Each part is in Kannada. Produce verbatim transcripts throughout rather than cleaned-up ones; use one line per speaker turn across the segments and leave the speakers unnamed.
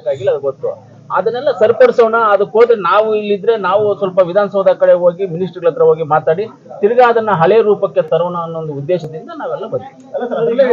ಮಾಡ್ಬೇಕಾಗಿಲ್ಲ, ಅದು ಗೊತ್ತು. ಅದನ್ನೆಲ್ಲ ಸರಿಪಡಿಸೋಣ. ಅದಕ್ಕೆ ಹೋದ್ರೆ ನಾವು ಇಲ್ಲಿದ್ರೆ ನಾವು ಸ್ವಲ್ಪ ವಿಧಾನಸೌಧ ಕಡೆ ಹೋಗಿ ಮಿನಿಸ್ಟರ್ಗಳ ಹತ್ರ ಹೋಗಿ ಮಾತಾಡಿ ತಿರ್ಗಾ ಅದನ್ನ ಹಳೆ ರೂಪಕ್ಕೆ ತರೋಣ ಅನ್ನೋ ಒಂದು ಉದ್ದೇಶದಿಂದ ನಾವೆಲ್ಲ ಬಂದ್ವಿ.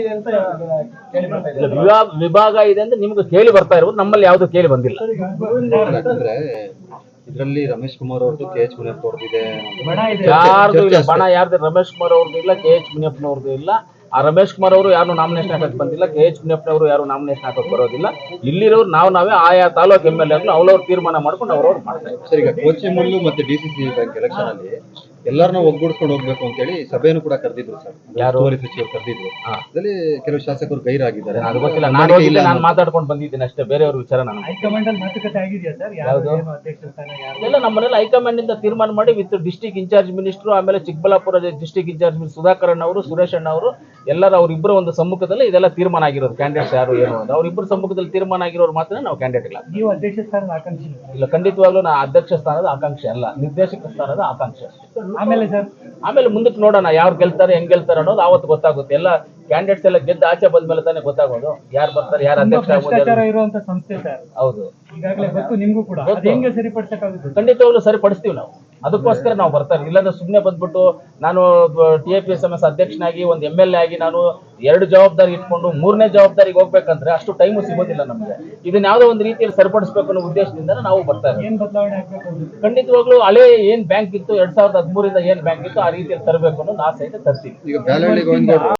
ವಿಭಾಗ ವಿಭಾಗ ಇದೆ ಅಂತ ನಿಮ್ಗೆ ಕೇಳಿ ಬರ್ತಾ ಇರೋದು, ನಮ್ಮಲ್ಲಿ ಯಾವ್ದು ಕೇಳಿ ಬಂದಿಲ್ಲ.
ಯಾಕಂದ್ರೆ ಇದರಲ್ಲಿ ರಮೇಶ್ ಕುಮಾರ್ ಅವ್ರದ್ದು, ಕೆ ಎಚ್ ಮುನಿಯಪ್ಪ ಅವ್ರದ್ದು ಇದೆ,
ಯಾರ್ದು ಇಲ್ಲ ಬಣ. ಯಾರ್ದು ರಮೇಶ್ ಕುಮಾರ್ ಅವ್ರದ್ದು ಇಲ್ಲ, ಕೆ ಎಚ್ ಮುನಿಯಪ್ಪನವ್ರದ್ದು ಇಲ್ಲ. ಆ ರಮೇಶ್ ಕುಮಾರ್ ಅವರು ಯಾರು ನಾಮಿನೇಷನ್ ಹಾಕಕ್ಕೆ ಬಂದಿಲ್ಲ, ಕೆ ಎಚ್ ಮುನಿಯಪ್ಪನವರು ಯಾರು ನಾಮಿನೇಷನ್ ಹಾಕಕ್ಕೆ ಬರೋದಿಲ್ಲ. ಇಲ್ಲಿರೋರು ನಾವು ನಾವೇ ಆಯಾ ತಾಲೂಕು ಎಮ್ ಎಲ್ ಎ ಅವ್ರವ್ರು ತೀರ್ಮಾನ ಮಾಡ್ಕೊಂಡು ಅವ್ರವ್ರು ಮಾಡ್ತಾ ಇದ್ದಾರೆ.
ಸರ್, ಈಗ ಕೋಚಿಮುಲ್ಲು ಮತ್ತೆ D C C bank election ಅಲ್ಲಿ ಎಲ್ಲರನ್ನೂ ಒಗ್ಗೂಡಿಸ್ಕೊಂಡು ಹೋಗ್ಬೇಕು ಅಂತ ಹೇಳಿ ಸಭೆಯನ್ನು ಕೂಡ ಕರೆದಿದ್ರು ಸರ್. ಯಾರು ಸಚಿವರು ಕರೆದಿದ್ರು. ಅದರಲ್ಲಿ ಕೆಲವು ಶಾಸಕರು ಗೈರಾಗಿದ್ದಾರೆ.
ಅದು ಗೊತ್ತಿಲ್ಲ, ನಾನು ಹೋಗಿದ್ದೆ, ನಾನು ಮಾತಾಡ್ಕೊಂಡು ಬಂದಿದ್ದೀನಿ ಅಷ್ಟೇ, ಬೇರೆಯವ್ರ ವಿಚಾರ ನಾನು.
ಹೈಕಮಾಂಡ್ ಅಲ್ಲಿ ಮಾತುಕತೆ ಆಗಿದೆಯಾ ಸರ್?
ಯಾವುದು
ಅಧ್ಯಕ್ಷ ಸ್ಥಾನ
ಎಲ್ಲ ನಮ್ಮನೆಲ್ಲ ಹೈಕಮಾಂಡ್ ಇಂದ ತೀರ್ಮಾನ ಮಾಡಿ ವಿತ್ ಡಿಸ್ಟಿಕ್ ಇನ್ಚಾರ್ಜ್ ಮಿನಿಸ್ಟರ್, ಆಮೇಲೆ Chikkaballapur district incharge minister Sudhakaran ಅವರು, ಸುರೇಶ್ ಅಣ್ಣ ಅವರು ಎಲ್ಲರೂ ಅವರಿಬ್ಬರು ಒಂದು ಸಮ್ಮುಖದಲ್ಲಿ ಇದೆಲ್ಲ ತೀರ್ಮಾನ ಆಗಿರೋದು. ಕ್ಯಾಂಡಿಡೇಟ್ಸ್ ಯಾರು ಏನು ಅಂತ ಅವರಿಬ್ಬರು ಸಮ್ಮುಖದಲ್ಲಿ ತೀರ್ಮಾನ ಆಗಿರೋರು ಮಾತ್ರ ನಾವು ಕ್ಯಾಂಡಿಡೇಟ್ ಇಲ್ಲ.
ನೀವು ಅಧ್ಯಕ್ಷ ಸ್ಥಾನದ ಆಕಾಂಕ್ಷಿ
ಇಲ್ಲ, ಖಂಡಿತವಾಗ್ಲೂ ನಾ ಅಧ್ಯಕ್ಷ ಸ್ಥಾನದ ಆಕಾಂಕ್ಷೆ ಅಲ್ಲ, ನಿರ್ದೇಶಕ ಸ್ಥಾನದ ಆಕಾಂಕ್ಷೆ.
ಆಮೇಲೆ ಸರ್
ಆಮೇಲೆ ಮುಂದಕ್ಕೆ ನೋಡೋಣ ಯಾರು ಗೆಲ್ತಾರೆ ಹೆಂಗ್ ಗೆಲ್ತಾರೆ ಅನ್ನೋದು ಆವತ್ತು ಗೊತ್ತಾಗುತ್ತೆ. ಎಲ್ಲ ಕ್ಯಾಂಡಿಡೇಟ್ಸ್ ಎಲ್ಲ ಗೆದ್ದು ಆಚೆ ಬಂದ್ಮೇಲೆ ತಾನೇ ಗೊತ್ತಾಗೋದು ಯಾರು ಬರ್ತಾರೆ, ಯಾರು ಅಧ್ಯಕ್ಷ
ಭ್ರಷ್ಟಾಚಾರ ಇರುವಂತ ಸಂಸ್ಥೆ ಸರ್.
ಹೌದು,
ಈಗಾಗಲೇ ಗೊತ್ತು ನಿಮ್ಗೂ ಕೂಡ. ಅದು ಹೆಂಗೆ ಸರಿಪಡಿಸಕ್ಕಾಗುತ್ತೆ?
ಖಂಡಿತವಾಗ್ಲೂ ಸರಿಪಡಿಸ್ತೀವಿ ನಾವು. ಅದಕ್ಕೋಸ್ಕರ ನಾವು ಬರ್ತಾರೆ. ಇಲ್ಲಾಂದ್ರೆ ಸುಮ್ಮನೆ ಬಂದ್ಬಿಟ್ಟು ನಾನು T A P S M S ಅಧ್ಯಕ್ಷನಾಗಿ ಒಂದು ಎಮ್ ಎಲ್ ಎ ಆಗಿ ನಾನು ಎರಡು ಜವಾಬ್ದಾರಿ ಇಟ್ಕೊಂಡು ಮೂರನೇ ಜವಾಬ್ದಾರಿಗೆ ಹೋಗ್ಬೇಕಂದ್ರೆ ಅಷ್ಟು ಟೈಮು ಸಿಗೋದಿಲ್ಲ ನಮಗೆ. ಇದನ್ನ ಯಾವುದೋ ಒಂದು ರೀತಿಯಲ್ಲಿ ಸರಿಪಡಿಸಬೇಕು ಅನ್ನೋ ಉದ್ದೇಶದಿಂದ ನಾವು ಬರ್ತಾರೆ.
ಏನ್ ಬದಲಾವಣೆ ಆಗ್ಬೇಕು?
ಖಂಡಿತವಾಗ್ಲೂ ಹಳೆ ಏನ್ ಬ್ಯಾಂಕ್ ಇತ್ತು ಎರಡ್ ಸಾವಿರದ ಹದಿಮೂರಿಂದ ಏನ್ ಬ್ಯಾಂಕ್ ಇತ್ತು ಆ ರೀತಿಯಲ್ಲಿ ತರಬೇಕು ಅನ್ನೋದು ಆಸೆ ಇದೆ, ತರ್ತೀವಿ.
ಈಗ